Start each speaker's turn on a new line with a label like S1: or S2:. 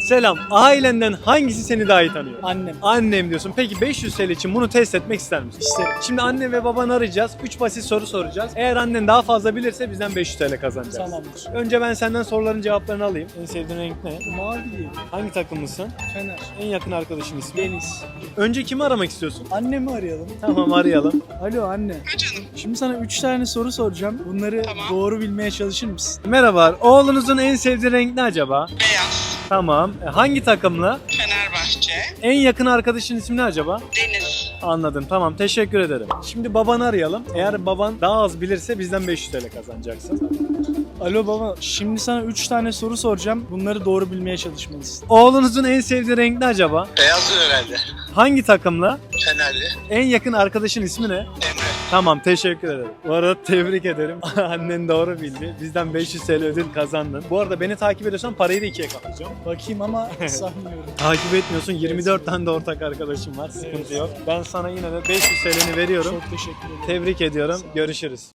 S1: Selam. Ailenden hangisi seni daha iyi tanıyor?
S2: Annem.
S1: Annem diyorsun. Peki 500 TL için bunu test etmek ister misin?
S2: İsterim.
S1: Şimdi anne ve babanı arayacağız. 3 basit soru soracağız. Eğer annen daha fazla bilirse bizden 500 TL kazanacaksın.
S2: Tamamdır.
S1: Önce ben senden soruların cevaplarını alayım. En sevdiğin renk ne?
S2: Mavi diyeyim.
S1: Hangi takımlısın?
S2: Fener.
S1: En yakın arkadaşın ismi?
S2: Deniz.
S1: Önce kimi aramak istiyorsun?
S2: Annemi arayalım.
S1: Tamam, arayalım.
S2: Alo anne. Şimdi sana 3 tane soru soracağım. Bunları doğru bilmeye çalışır mısın?
S1: Merhaba. Oğlunuzun en sevdiği renk ne acaba?
S3: Beyaz,
S1: Tamam. Hangi takımlı?
S3: Fenerbahçe,
S1: En yakın arkadaşın ismi ne acaba?
S3: Deniz.
S1: Anladım. Tamam. Teşekkür ederim. Şimdi babanı arayalım. Eğer baban daha az bilirse bizden 500 TL kazanacaksın.
S2: Alo baba. Şimdi sana 3 tane soru soracağım. Bunları doğru bilmeye çalışmalısın.
S1: Oğlunuzun en sevdiği renk ne acaba?
S3: Beyaz herhalde.
S1: Hangi takımlı?
S3: Fenerli,
S1: En yakın arkadaşın ismi ne?
S3: Emre.
S1: Tamam, teşekkür ederim. Bu arada tebrik ederim. Annen doğru bildi. Bizden 500 TL ödül kazandın. Bu arada beni takip ediyorsan parayı da ikiye katlayacağım.
S2: Bakayım ama sanmıyorum.
S1: Takip etmiyorsun. 24 tane de ortak arkadaşım var. Sıkıntı yok. Ben sana yine de 500 TL'ni veriyorum.
S2: Çok teşekkür ederim.
S1: Tebrik ediyorum. Görüşürüz.